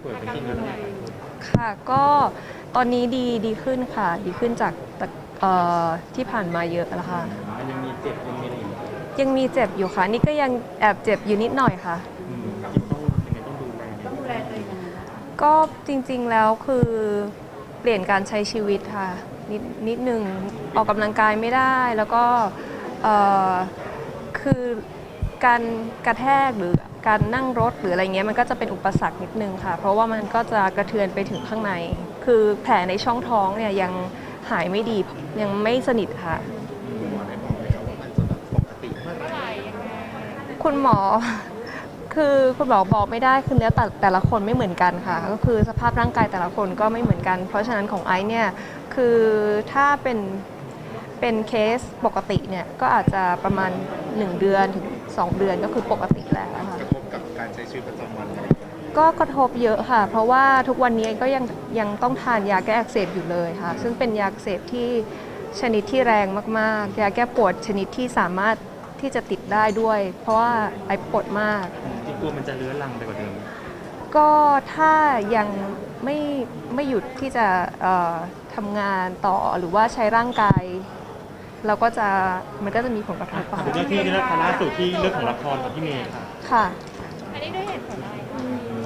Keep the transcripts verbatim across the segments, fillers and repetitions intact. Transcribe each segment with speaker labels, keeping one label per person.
Speaker 1: ป่วยเป็นจริงอยู่เนี่ย
Speaker 2: ค่ะก็ตอนนี้ดีดีขึ้นค่ะดีขึ้นจากแต่เอ่อที่ผ่านมาเยอะแล้วค่ะ
Speaker 1: มันยังมีเจ็บยังมีอะไรอยู่
Speaker 2: ยังมีเจ็บอยู่ค่ะนี่ก็ยังแอบเจ็บอยู่นิดหน่อยค่ะ
Speaker 1: อืมจิตต้องยังไงต้องดูแลต้องดูแลตัวเอง
Speaker 2: ก็จริงๆแล้วคือเปลี่ยนการใช้ชีวิตค่ะนิดนิดนึงออกกำลังกายไม่ได้แล้วก็เอ่อคือการกระแทกหรือการนั่งรถหรืออะไรเงี้ยมันก็จะเป็นอุปสรรคนิดนึงค่ะเพราะว่ามันก็จะกระเทือนไปถึงข้างในคือแผลในช่องท้องเนี่ยยังหายไม่ดียังไม่สนิทค่ะ
Speaker 1: คุณหมอได้บอกไหมครับว่ามันจะแบบปกติเมื่อไหร่
Speaker 2: คุณหมอ คือคุณหมอบอกไม่ได้คือเนื้อแต่แต่ละคนไม่เหมือนกันค่ะก็คือสภาพร่างกายแต่ละคนก็ไม่เหมือนกัน เพราะฉะนั้นของไอซ์เนี่ยคือถ้าเป็นเป็นเคสปกติเนี่ยก็อาจจะประมาณหนึ่งเดือนถึงสองเดือนก็คือปกติแล้วค่ะ
Speaker 1: กระทบกับการใช้ชีวิตประจำวันอะไร
Speaker 2: ก็กระทบเยอะค่ะ เพราะว่าทุกวันนี้ก็ยังยังต้องทานยาแก้อักเสบอยู่เลยค่ะซึ่งเป็นยาอักเสบที่ชนิดที่แรงมากๆยาแก้ปวดชนิดที่สามารถที่จะติดได้ด้วย เพราะว่าไอปวดมาก
Speaker 1: จริงๆกลัวมันจะเลื้อรังไปกว่าเดิม
Speaker 2: ก็ถ้ายังไม่ไม่หยุดที่จะเอ่อทำงานต่อหรือว่าใช้ร่างกาย เราก็จะมันก็จะมีผลกระทบค่ะ
Speaker 1: เรื่องที่เรื่องล่าสุดที่เรื่องของละครกับพี่เมย์ค่ะ
Speaker 2: ค่ะ
Speaker 3: อันนี้ด้วยเหตุผลอะไรคะ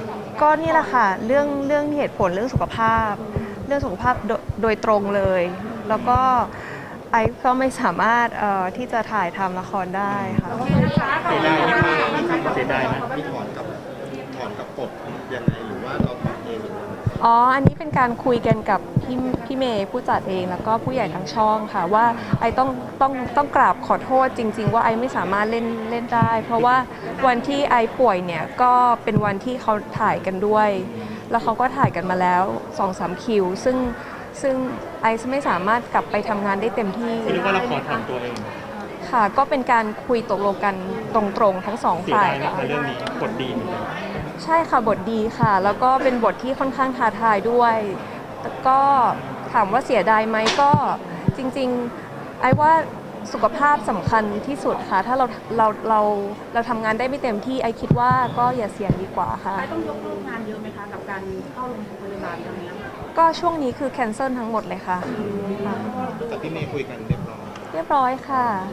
Speaker 2: ก็นี่แหละค่ะเรื่องเรื่องเหตุผลเรื่องสุขภาพ เรื่องสุขภาพโดยโดยตรงเลย แล้วก็ไอซ์ก็ไม่สามารถเอ่อที่จะถ่ายทำละครได้ค่ะ
Speaker 1: เสียดายไหมคะมีคำเสียดายไหม
Speaker 4: มีถอนกับถอนกับกฎยังไงหรือว่าเราถอนเองหรือว่า
Speaker 2: อ๋อ อันนี้เป็นการคุยกันกับพี่พี่เมย์ผู้จัดเองแล้วก็ผู้ใหญ่ทั้งช่องค่ะว่าไอต้องต้องต้องกราบขอโทษจริงๆว่าไอไม่สามารถเล่นเล่นได้ เพราะว่าวันที่ไอป่วยเนี่ยก็เป็นวันที่เขาถ่ายกันด้วย แล้วเขาก็ถ่ายกันมาแล้ว สองสาม คิว ซึ่งซึ่งไอซ์ไม่สามารถกลับไปทำงานได้เต็มที่
Speaker 1: คือเรียกว่าละครทำตัวเอง
Speaker 2: ค่ะ ก็เป็นการคุยตกลงกันตรงๆทั้งสอง
Speaker 1: เสีย
Speaker 2: ฝ่าย
Speaker 1: ดายนะ
Speaker 2: ค่ะ
Speaker 1: คะเรื่องนี้กดดีเหมือนกัน
Speaker 2: ใช่ค่ะบทดีค่ะ แล้วก็เป็นบทที่ค่อนข้างท้าทายด้วยแต่ก็ถามว่าเสียดายไหมก็จริงๆไอ้ว่าสุขภาพสำคัญที่สุดค่ะ ถ้าเราเราเราเราทำงานได้ไม่เต็มที่ไอ้คิดว่าก็อย่าเสี่ยงดีกว่าค่ะ
Speaker 3: ไอต้องยกเลิกงานเยอะไหมคะกับการเข้าโรงพยาบาลครั้งนี้
Speaker 2: ก็ช่วงนี้คือแคนเซิลทั้งหมดเลยค่ะค่ะ
Speaker 4: แต่พี่เมย์คุยกันเรียบร้อย
Speaker 2: เรียบร้อยค่ะ